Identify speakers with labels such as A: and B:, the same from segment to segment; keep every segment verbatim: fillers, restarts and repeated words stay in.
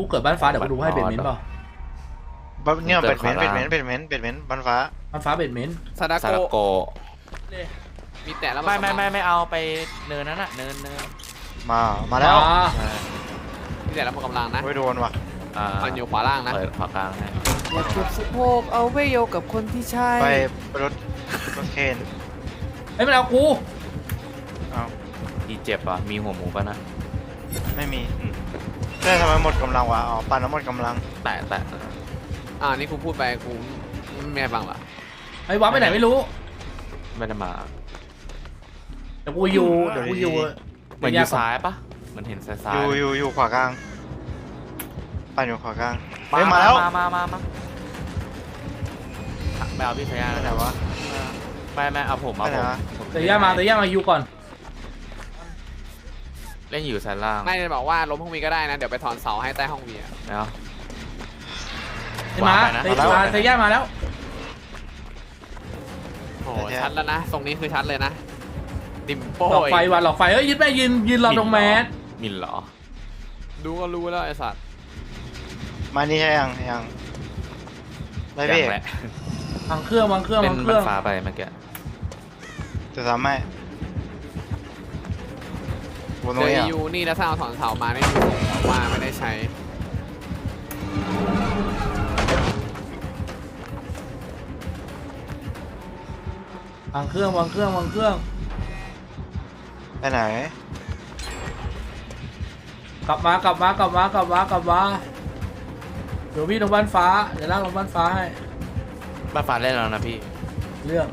A: กูเกิดบ้านฟ้าเดี๋ยวกูดูให้เบดเมนต์เปล่า
B: เนี่ยเป็ดเม้นเป็ดเม้นเป็ดเม้นเป็ดเม้นบ้านฟ้า
A: บ้านฟ้าเบดเมนต์
C: ซาดา
D: ซาดา
C: โก
D: โก
C: มีแต่แล้ว
D: ไม่ไม่ไม่ไม่เอาไปเนินนั้นอะเนินเนิน
B: มามาแล้ว
C: มีแต่แล้วหมดกำลังนะ
B: ไม่โดนว่ะ
D: อ่า
C: มันอยู่ขวาล่างนะ
D: เปิดขวากลางให้
C: อยากเก็บสะโพกเอาไว้โยกับคนที่ใช่
B: ไปรถรถเคน
A: เฮ้ยมันเอากู
B: เอา
D: อีเจ็บอ่ะมีหัวหมูป่ะนะ
B: ไม่มีเรื่องทำไมหมดกำลังวะอ๋อปั่นแล้วหมดกำลัง
D: แตะแตะ
C: อ่านี่กูพูดไปกูไม่ให้ฟังหรอ
A: ไอ้วับไปไหนไม่รู้
D: ไม่ได้มา
A: เดี๋ยวกูอยู่เดี๋ยวกูอยู่
D: เหมือนอยู่ซ้ายปะเหมือนเห็นซ้ายซ้า
B: อย ยู่อยู่อยู่ขวากลางปั่นอยู่ขวากลางเฮ้ยมาแล้ว
D: มามามามาไปเอาพี่ชายา
B: ไป
D: แล้ว
B: ไหน
D: นะ
B: วะ
D: ไม่ไม่เอาผมเอา
B: ไปไห
D: ผ
B: น
D: ม
B: วะ
D: ผม
A: เตะย่ามาเตะย่ามาอยู่ก่อน
D: เล่นอยู่ซ้ายล่าง
C: ไม่ได้บอกว่าล้มห้องวีก็ได้นะเดี๋ยวไปถอนเสาให้ใต้ห้องวีอะ
D: แล้ว
A: เตะมาเตะมาเตะย่ามาแล้ว
C: โอ้ชัดแล้วนะตรงนี้คือชัดเลยนะดิมโป้
A: หลอกไฟว่ะหลอกไฟเฮ้ยยึดแม่ยืนยืนรอตรงแมส
D: มินเหรอ
C: ดูก็รู้แล้วไอ้สัตว์
B: มานี่ใช่ยังยังได้พี่
D: ยังแหละ
A: วางเครื่องวางเครื่อง
D: เล่
A: วาง
D: น
A: เค
D: บั
A: รื่
D: น
A: อง
D: ฟ้าไปเมื่อกี้
B: จะทำให้บนต
C: เจ
B: รง
C: อ
B: นี้อ่ะ
C: ยูนี่แล้วสร้างถอนเสามาได้ดูว่าไม่ได้ใช้
A: วางเครื่องวางเครื่องวางเครื่อง
B: ไปไหน
A: กลับมากลับมากลับมากลับมากลับมาเดี๋ยวพี่ลงบ้านฟ้าเดี๋ยวลากลงบ้านฟ้าให้
D: บันฟ้าเล่นแล้วนะพี่
A: เรื่อง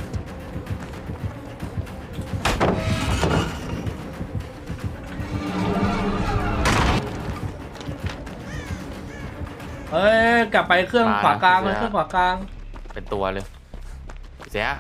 A: เฮ้ยกลับไปเครื่องขวากลางเลยเครื่องขวากลาง
D: เป็นตัวเลยเสีย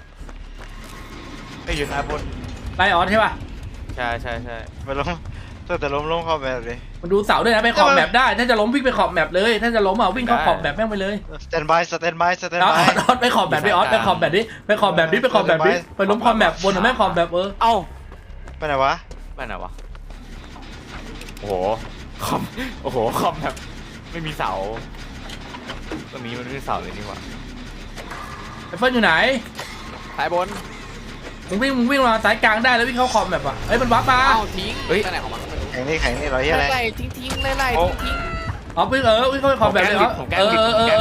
B: ไม่อยู่ซ้ายบน
A: ไลออนใช่ป่ะ
D: ใช่ใช่ใช่
B: ไปล้มแต่แต่ล้มล้มเข้าไปเลย
A: มันดูเสาด้วยนะไปขอบแมปได้ถ้าจะล้มวิ่งไปขอบแมปเลยถ้าจะล้มอ่ะวิ่งเข้าขอบแมปแม่งไปเลย
B: สแตนบายสแตนบายสแตน
A: อ
B: บาย
A: อสไปขอบแบบดิออสไปขอบแบบดิไปขอบแบบดิไปขอบแบบดิไปล้มขอบแบบบนหรือแม่ขอบแบบเออ
D: เอ้า
B: ไปไหนวะ
D: ไม่ไหนวะโอ้โหคอมโอ้โหคอมแบบไม่มีเสาตรงนี้มันไม่มีเสาเลยนี่หว่า
A: ไอ้เฟิร์นอยู่ไหน
C: สายบน
A: มึงวิ่งมึงวิ่งมาสายกลางได้แล้ววิ่งเข้าขอบแบบอ่ะเฮ้ยมันวับมา
C: เอ้าทิ้งไปไหนของมันก็ไม่รู้
B: แข่งนี่แข่งนี่เราเฮียอะไร
C: ไล่ทิ้งทิ้งไล่ไล่ทิ้งทิ้ง
A: อ๋อวิ่งเออวิ่งเข้าไปขอบแบบเลยเหรอเออเออเออ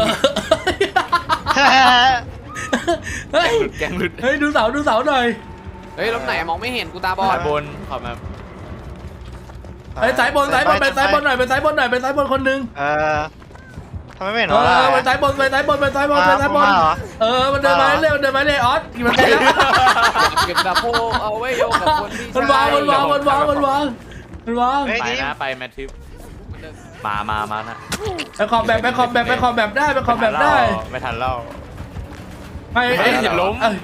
A: เฮ้ย
D: แกงหลุด
A: เฮ้ยดูเสาดูเสาหน่อย
C: เฮ้ยล้มไหนมองไม่เห็นกูตาบอ
D: สา
C: ด
D: ยบนขอบมา
A: เฮ้ยสายบนสายบนไปสายบนหน่อยไปสายบนหน่อยไปสายบนคนหนึ่ง
B: เออทำไมไม่เห็น
A: เอ
B: หรอ
A: อไปสายบนไปสายบนไปสายบนไปสายบนเออมันเดินมาเร็วเดินมาเร็วออสมันไปแล้ว
C: เก็บสะโพกเอาไว้โยกับคนที่
A: มันวางมันวางมันวางมันวางมันวาง
D: ไปนะไปแมททิปมามามานะ
A: ไปขอบแบบไปขอบแบบไปขอบแบบได้ไปขอบแบบได้
D: ไม่ทันเล่า
A: ไม่
D: เฮ้ยอย่าล้ม
A: เอ้ย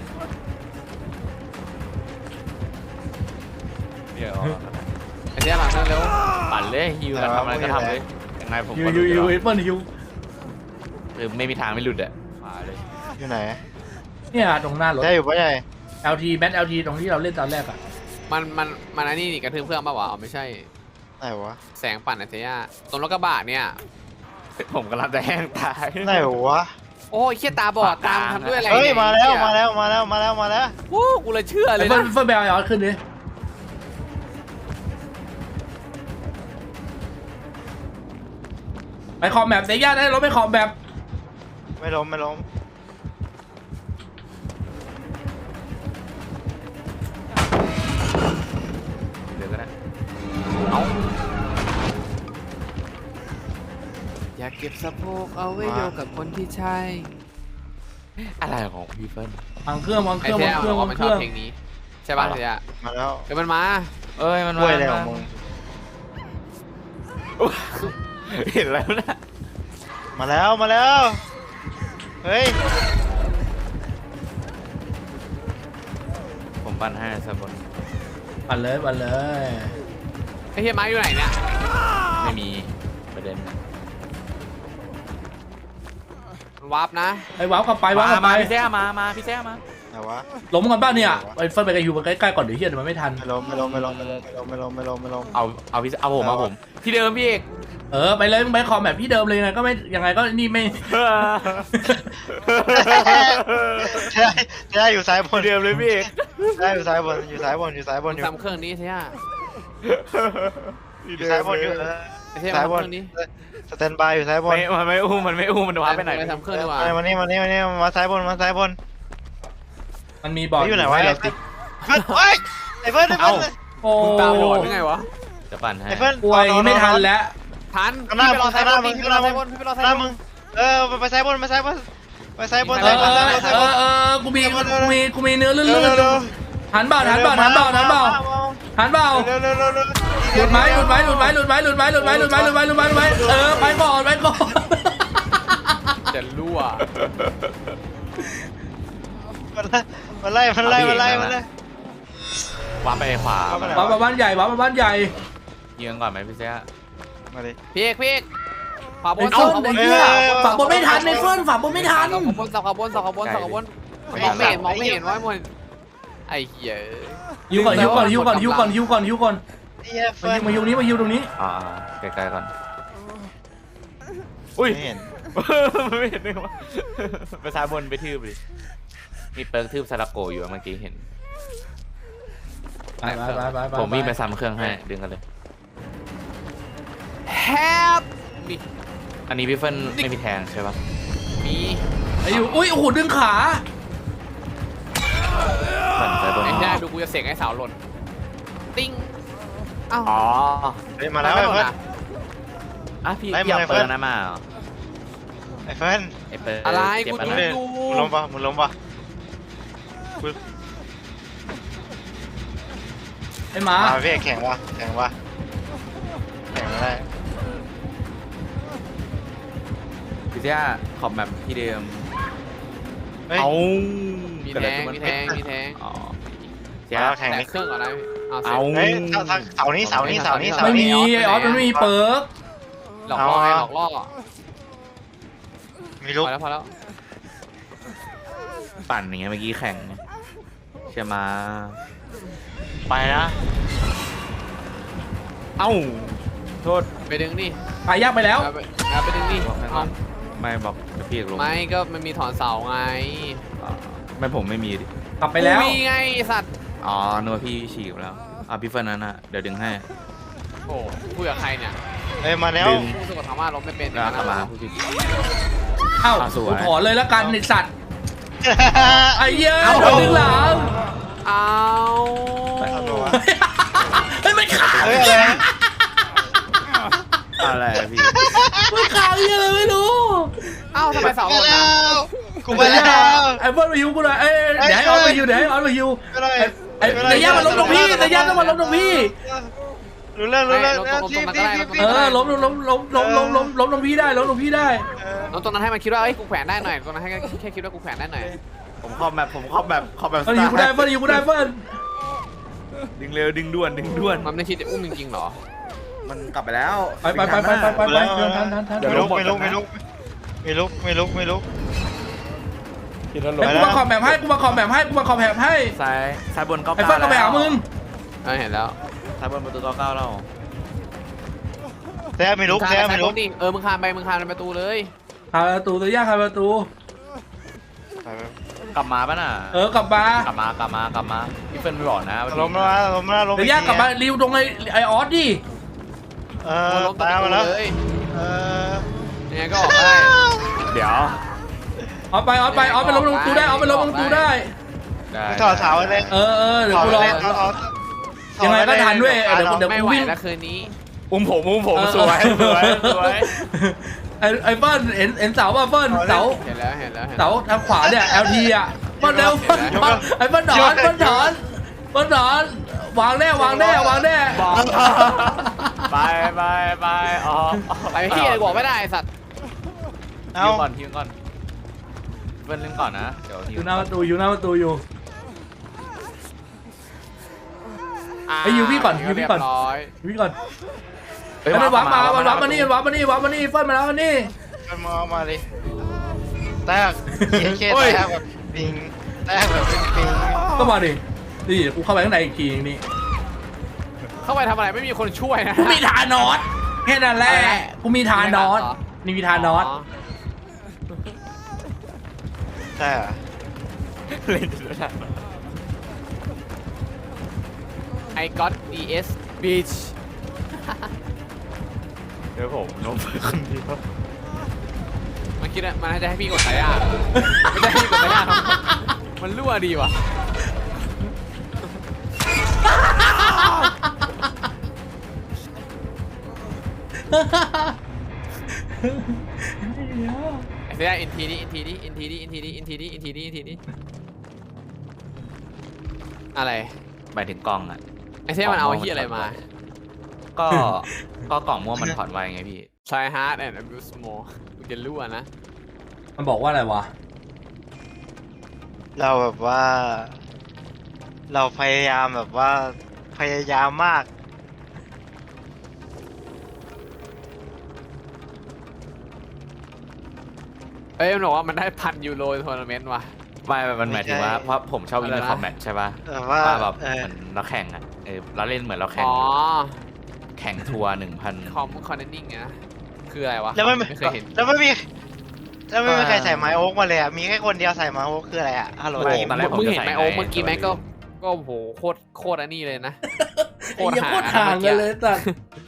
D: เดี๋ยว
C: ไอ้เจ้าหลังนั่นเร็ว
D: ปั่นเลยฮิวกันทำอะไรก็ทำเลยยังไงผม
A: ยู
D: ก็
A: ยู
D: รู้
A: ยู
D: อยู่
A: เอเปิลยู
D: คือไม่มีทางไม่หลุดอ่ะมาเลย
B: อยู่ไหน
A: เนี่ยตรงหน้ารถ
B: ได้อยู่ปะใหญ่
A: แอล ที แมท แอล ที ตรงที่เราเล่นตอนแรกอะ
C: มันมันมันอันนี้นี่กระทืบเครื่องป่าวะอ๋อไม่ใช่
B: ไหนวะ
C: แสงปั่นไอ้เจ้าตรงรถกระบะเนี่ย
D: ผมกำลังจะแห้งตาย
B: ไหนวะ
C: โอ้ยเขี้ยตาบอดตามทำด้วยอะไร
B: เฮ้ย
C: นี่
B: มาแล้วมาแล้วมาแล้วมาแล้วมาแล้ว
C: โอ้กูเลยเชื่อเลย
A: เฟิ
C: นะ
A: ร์นเฟิร์นแบลยอดขึ้นดิไปขอบแบบเสียยาได้รถไปขอบแบบ
B: ไม่ล้มไม่ล้ม
D: เดี๋ยวก็ได้
C: เอาอยากเก็บสะโพกเอาไว้โยกับคนที่ใช่
D: อะไรของพี่เฟิร์น
A: วางเครื่องวางเค
C: ไอ้
A: รื่อง
C: เจ้
A: วางเครื่องาง
C: บอกว่าวมัน
A: เค
C: ชอบ
A: รื่อง
C: เพลงนี้ใช่ป่ะเจ้า
B: มาแล้ว
C: เดี๋ยวมันมา
D: เอ้ยมัน
B: กล้วยอะไรของมึง
D: เห็นแล้วนะ
B: มาแล้วมาแล้วเฮ้ย
D: ผมปั้นให้สบน
A: ปั่นเลยปั่นเลย
C: ไอ้เฮียไม้อยู่ไหนเนี่ย
D: ไม่มีประเด็น
C: มันวาร์ปนะ
A: ไอ้ว้าวกลับไปว้าวกลับไป
D: มาพี่แซ่มามาพี่แซ่มา
B: ไหนวะ
A: ล้มกันบ้านเนี่ยไอ้เฟิร์นไปกับยูมันใกล้ๆก่อนเดี๋ยวเฮียเดี๋ยวมันไม่ทัน
B: ไม่ล้มไม่ล้มไม่ล้มไม่ล้มไม่ล้มไม่ล้มไม่ล้มไม่ล้ม
D: เอาเอาพี่เอาผมเอาผมที่เดิมพี่เอก
A: เออไปเลยมึงไปคอมแบบที่เดิมเลยไงก็ไม่ยังไงก็นี่ไม่
B: ใช่ใช่อยู่ซ้ายบน
D: เดิมเลยพี่
B: ใช่อยู่ซ้ายบนอยู่ซ้ายบนอยู่ซ้ายบนอยู่
C: ทำเครื่องนี้ใช่ไหม
B: อยู่ซ้ายบนอยู่เออ
C: ไม่ใช่
B: ซ้ายบ
C: ทำเคน รื่องนี้
B: สแตนบายอยู่ซ้ายบน
D: ไม่มันไม่อุ้มมันไม่อุ้มมันว้าไปไหน
C: ไปทำเครื่องดีกว่า
B: มามานี่มานี่มานี่มาซ้ายบนมาซ้ายบน
A: มันมีบอร์ด
B: อยู่ไหนวะ
A: ให้
B: ไอ้
A: เรา
B: เฟิ
A: ติ
B: ร์
A: ด
B: นเฮ้ยไอ้เฟิร์นไอ้เฟิร์น
A: โอ้
C: มึงตาบอดหรือไงวะ
D: จะปั่นให้
B: ไอ้เฟิร์น
A: ป่วยไม่ทันแล้ว
C: ทัน
B: ข้างหน้า
C: พี่ไปรอซ้ายบน
B: มึ
C: พี่
B: ง
C: ไปรอซ้ายบน
B: ข้าง
C: พี่
B: ห
C: ไป
B: น้าร
C: อซ้ายบ
B: มึ
C: น
B: งเออไปซ้ายบนไปซ้ายบนไปซ้ายบน
A: เอ
B: ซ้าย
A: อบ
B: น
A: เอ
B: ซ้ายบนซ้าย
A: อบ
B: น
A: เออกูมีกูมีกูมีเนื้อลื่
B: เร็วน เร็วเร็ว
A: ๆหันเบาหันเบาหันเบาหันเบาหันเบา
B: เร็วเร็วเร็วเร็ว
A: หลุดไหมหลุดไหมหลุดไหมหลุดไหมหลุดไหมหลุดไหมหลุดไหมหลุดไหมหลุดไหมหลุดไหมเออไปก่อนไปก่อน
C: จะรั่ว
B: มันไล่มันไล่มันไล่มันไล่
D: ว้าไปขวา
A: ว้ามาบ้านใหญ่ว้ามาบ้านใหญ่
D: ยิงก่อนไหมพี่เสีย
B: มาดิ
C: พี่เอกพี่เอกขวาบ
A: ไอ้
C: น
A: เฟิร์น
C: ขวาบ
A: ไอ้
C: น
A: เหี้ยฝากบนไม่ทันไอ้เฟิร์นฝากบนไม่ทัน
C: ขวาบนขวาบนขวาบนขวาบนมองไม่เห็นมองไม่เห็นว่ามันไอ้เหี้ย
A: ฮิวก่อนฮิวก่อนฮิวก่อนฮิวก่อนฮิวก่อนฮิวก่อน
B: ไอ้เหี้ย
A: มา
B: เฟิร์
A: ฮิวมาฮิวนี้มาฮิวตรงนี้
D: อ่าไกลๆก่อนอุ้ย
B: ไม่เห็น
D: ไม่เห็นเลยว่าไปซ้ายบนไปทืบดิมีเปิร์กทืบซาลาโกอยู่เมื่อกี้เห็น
A: ไปไปไปไปไป
D: ผมวิ่งไปซ้ำเครื่องให้ดึงกันเลย
C: แฮปมี
D: อันนี้พี่เฟิร์นไม่มีแทงใช่ปะ
C: มี
A: ไอ้อยู่อุ้ยโอ้โหดึงขา
D: ปั่นซ้ายบน
C: ไอ้หน้าดูกูจะเสกให้สาวหล่นติ้งอ้าว
D: อ๋อ
B: เฮ้ยมาแล้วไอ้เฟิร์น
D: อ่ะพี่
B: ไล่
D: พี่
B: มา
D: เอา
B: ไอ้
D: เปิ
B: เฟิร์
D: ร์
B: น
D: กนั้นมาเหรอ
B: ไอ้เฟิร์น
D: ไอ้เปิร์ก
C: อะไร
D: เจ็บ
C: กู
D: อัน
C: ดู
D: นั้น
C: ดู
B: มึงล้มปะมึงล้มปะมึง
A: ไอ้หมา
B: มาพี่แข่งวะแข่งวะแข่งไม่ได้
D: พี่เสียขอบแบบที่เดิม
B: เฮ้ย
D: เอา
C: มี
D: เกิด
C: แท
D: อะไร
C: ง
D: ขึ้น
C: มีแทงมีแทง
D: อ๋อเสีย
B: มาแข่ง
C: แต่
B: นี่
C: เครื่องก่อนนะเอาเสร็
D: เอา
C: จ
B: เฮ้ยถ้าถ้าเสาร์นี้เสาร์นี้เสาร์นี้เสา
A: ไม่
B: ร์
A: มี
B: นี้
A: ไอ้ออสมันไม่มีเปิร์ก
C: หลอกล่อไงหลอกล่อ
B: มี
C: พ
B: ลูก
C: อแล้วพอแล้ว
D: ปั่นอย่างเงี้ยเมื่อกี้แข่งเชื่อมาไปนะเอ้าโทษ
C: ไปดึงดิ
A: ไปยากไปแล้ว
C: เอาไปเอาไปดึงดิ
D: บอกให้
C: เอา
D: ไม่บอกเดี๋ยวพี่เอกลง
C: ไม่ก็มันมีถอนเสาไง
D: อ๋อไม่ผมไม่มีดิ
A: กลับไปแล้ว
C: กูมีไงไอ้สัตว์
D: อ๋อนึกว่าพี่ฉีกไปแล้วอ่ะพี่เฟิร์นนั้นนะเดี๋ยวดึงให้
C: โอ้คุยกับใครเนี่ย
B: เอ้ยมาแล้ว
D: ดึง
C: รู้สึกว่าทำว่าล้มไม่เป็น
D: แล้วกลับมาพูดผิด
A: เอ้า
D: อ่ะสวย
A: กูถอนเลยแล้วกันไอ้สัตว์ไอ้เหี้ย
D: เอ้า
A: ดึงหลัง
C: เอา
B: เอาตัววะ
A: เฮ้ยไม่ขาด
B: เฮ้ยอะไร
D: อะไรอะพี่
A: ไม่ขาดยังไงไม่รู้
C: เอ้าทำไมเสาห
B: ไป
C: ล่น
B: แล้
C: อ่ะ
B: วกูไปแล้ว
A: ไอ้เฟิร์นมาฮิวกูหน่อยเอ้ยเดี๋ยวให้ออสมาฮิวเดี๋ยวให้ออสมาฮิว
B: ไม่ได้
A: ไอ้ไอ้แต่ย่ามันล้มตรงพี่แต่ย่าต้องมาล้มตรงพี่
B: รู้เรื่องรู้เรื่องทีมทีมทีมที
A: เออล้มล้มล้มล้มล้มล้มล้มล้มตรงพี่ได้ล้มตรงพี่ได้
C: น้องตรงนั้นให้มันคิดว่าเอ้ยกูแขวนได้หน่อยตรงนั้นให้แค่คิดว่ากูแขวนได้หน่อย
D: ผมครอบแบบผมครอบแบบครอบแบบ
A: เฟิร์นฮิวกูได้เฟิร์นฮิวกูได้เฟิร์น
D: ดึงเร็วดึงด่วนดึงด่วน
C: มันไม่คิดจะอุ้มจริงๆหรอ
D: มันกลับไปแล้ว
A: ไปไปไปไปไปไปไปเดินทันทันทัน
B: ไม่ลุกไม่ลุกไม่ลุกไม่ลุกไม่ลุกไม่ลุก
A: ไอ้กูมาคอมแบบให้กูมาคอมแบบให้กูมาคอมแบบให้
D: ซ้ายซ้ายบนเก้า
A: ไอ้
D: เก้า
A: เฟิร์นก็ไปหามึง
C: เออเห็นแล้ว
D: ซ้ายบนประตูเก้าเก้าแล้ว
B: แท้ไม่ลุกแท้ไม่ลุก
C: ดิเออมึงคานไปมึงคานไปประตูเลย
A: หาประตูตัวย่าหาประตู
D: กลับมาป่ะน่ะ
A: เออกลับมาก
D: ลับมากลับมากลับมาพี่เฟิร์นหล่อนะ
B: ล้มแล้วล้มแล้วล้ม
A: เดี๋ยวย่ากลับมาริวตรงไอ้ไอออสดิ
B: เอ
C: มึ
B: อง
C: ล้มประ
B: ตาม
C: ตู
B: มาแล้ว
C: เลย
B: เออ
C: ยังไงก็ออกได้
D: เดี๋ยว
A: ออสไปออสไปออสไปล้มลงประตูได้ออสไปล้มลงประตูได้
D: ได้
B: ถอดเสาเลย
A: เออเออเดี๋ยว
B: ถอด
A: กูรอ
B: เลยถอดถอด
A: ยังไงก็ทันด้วยเดี๋ยวเดี๋ยว
C: ไม่
A: กู
C: ไหว
A: วิ่ง
C: แล้วคืนนี้
D: อุ้มผมอุ้มผมสวยสวยสวย
A: ไอ้ไอ้เฟิร์นเห็นเห็นเสาป่ะเฟิร์นเสา
C: เห็นแล้วเห็นแล้วเห็น
A: เสาทางขวาเนี่ย แอล ที อ่ะเฟิร์นเร็วเฟิร์นถอนไอ้เฟิร์นถอนเฟิร์นถอนเฟิร์นถอนวางแน่วางแน่วางแน่
D: บอกไปไปไปอ๋อ
C: ไปที่อะไรบอกไม่ได้สัตว์
B: เอา
D: ฮิวก่อนฮิวก่อนเฟิร์นเล่นก่อนนะเดี๋ยวฮิ
A: อ
D: ว
A: ยู่หน้าประตูอยู่หน้าประตูอยู่ ไอ้ยูพี่ก่อนยูพี่ก่อน
C: เรียบร้อย
A: วิ่งก่อนไอ้มันวางมามันวางมานี่วางมานี่วางมานี่เฟิร์นมาแล้วมานี่
B: มันมองมาเลยแตกเคแตกแบบปิงแตกแบบปิง
A: ก็มาดินี่กูเข้าไปข้างในอีกทีนี่
C: เข้าไปทำอะไรไม่มีคนช่วยนะ
A: กูมีทานอสแค่นั้นแหละกูมีทานอสนี่มีทานอส
B: ใช่เหรอ
D: เล่นด้วยนะ
C: ไอก็อดดีเอสบีช
D: เดี๋ยวผมลงไปคนเดียว
C: มันคิดว่ามันน่าจะให้พี่กดสายอ่ะไม่ได้ให้พี่กดสายอ่ะมันรั่วดีว่ะ ไอ้เสียอินทีนี้อินทีนี้อินทีนี้อินทีนี้อินทีนี้อินทีนี้อินทีนี้อะไร
D: หมายถึงกล้องอ่ะ
C: ไอ้เสียมันเอาไอ้เหี้ยอะไรมา
D: ก็ก็กล่องม่วงมันถอดไวไงพี่
C: try hard and abuse more กูจะรั่วนะ
A: มันบอกว่าอะไรวะ
B: เราแบบว่า เราพยายามแบบว่าพยายามมาก
C: เอ้ยมันบอกว่ามันได้พันยูโรทัวร์นาเมนต์ว่ะ
D: ไม่มันหมายถึงว่า
B: ไม่ใช่
D: เพราะผมชอบ
C: อะ
D: อิน
C: ไร
D: เตอ
C: นะ
D: ร์คอมแมทใช่ป่ะ
B: แบบว่า
D: ว่าแบบ
B: เออ
D: เหมือนเราแข่งอ่ะเออเราเล่นเหมือนเราแข่ง
C: อ๋อ
D: แข่งทัวร์หนึ่งพัน
C: คอมคอนเนนนิ่งนะคืออะไรวะ
B: แล้วไม่
C: ไม่เคยเห็น
B: แล้วไม่มีแล้วไม่มี
D: ว่า
B: ใครใส่ไม้โอ๊กมาเลยอ่ะมีแค่คนเดียวใส่ไม้โอ๊กคืออะไรอ่ะฮัลโหล
D: ไม่
B: ทีม
D: ตอนแรกผม
C: มึง
D: จะ
C: เห็นไหม
D: ใส่
C: โอ้
D: ไง
C: เมื่อกี้แม็ก
D: แต่
C: ก็
D: ว่า
C: ก็โหโคตรโคตรอันนี้เลยนะ
A: ไอ้เหี้ยโคตรห่างกันเลยสัตว์